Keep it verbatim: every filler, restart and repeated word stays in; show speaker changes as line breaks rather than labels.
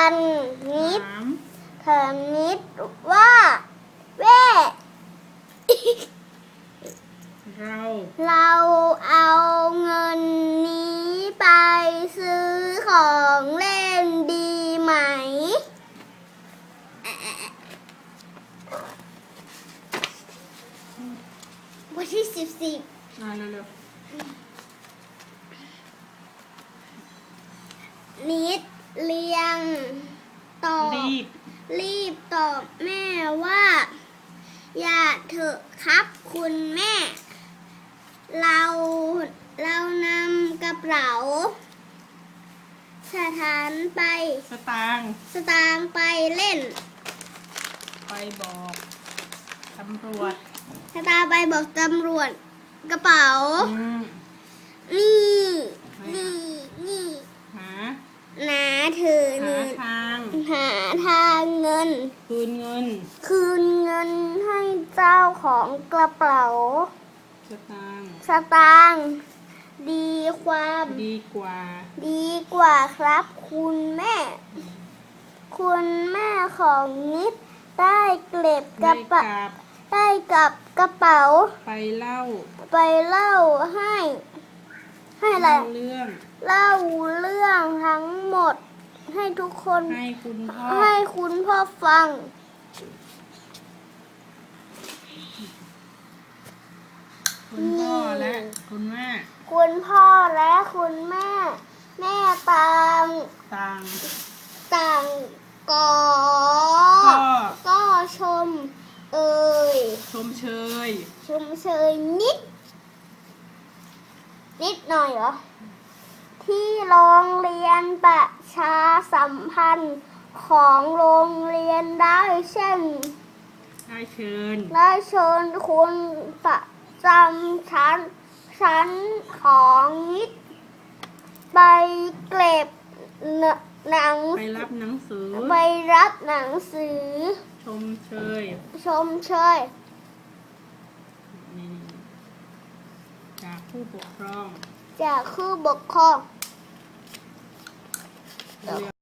นนิด
ถาม
ถามนิดว่าแว่
เรา
เราเอาเงินนี้ไปซื้อของเล่นดีไหมวันที่สิบสิบ
อ่านเร็ว
นิดเรียงตอบ
ๆรีบ
รีบตอบแม่ว่า อย่าเถอะครับคุณแม่ เราเรานำกระเป๋าสถานไป
สตางค์
สตางค์ไปเล่น
ไปบอกตำรวจ
สตางค์ไปบอกตำรวจกระเป๋า
อืม
นี่
ไม่
นี่นี่
หา
นาเธอ
หา
เงิน
ทาง
หาทางเงิน
คืนเงิน
คืนเงินให้เจ้าของกระเป๋า
สตางค์
สตางค์ดีความ
ดีกว่า
ดีกว่าครับคุณแม่ คุณแม่ของนิดได้เก็บก
ได้
ระ
ก
เป๋า
ลับ
ได้กับกระเป๋า
ไปเล่า
ไปเล่าให้ ให้อะไร
เล่าเรื่อง
เล่าเรื่องทั้งหมด ให้ทุกคน
ให้คุณพ่อ
ให้คุณพ่อฟัง
คุณพ่อและคุณแม่
คุณพ่อและคุณแม่ แม่ตาม
ต่าง
ต่างกอ
ก็
ก็ชม เอ่ย
ชมเชย
ชมเชยนิด นิดหน่อยเหรอ ที่โรงเรียนประชาสัมพันธ์ของโรงเรียนได้เช่น
ได้เชิญ
ได้เชิญคุณประจำชั้นชั้นของนิด ไปเก็บหนัง
ไปรับหนังสือ
ไปรับหนังสือ
ชมเชย
ชมเชย
นี่จากผู้ปกครอง
จากผู้ปกครอง
เรียก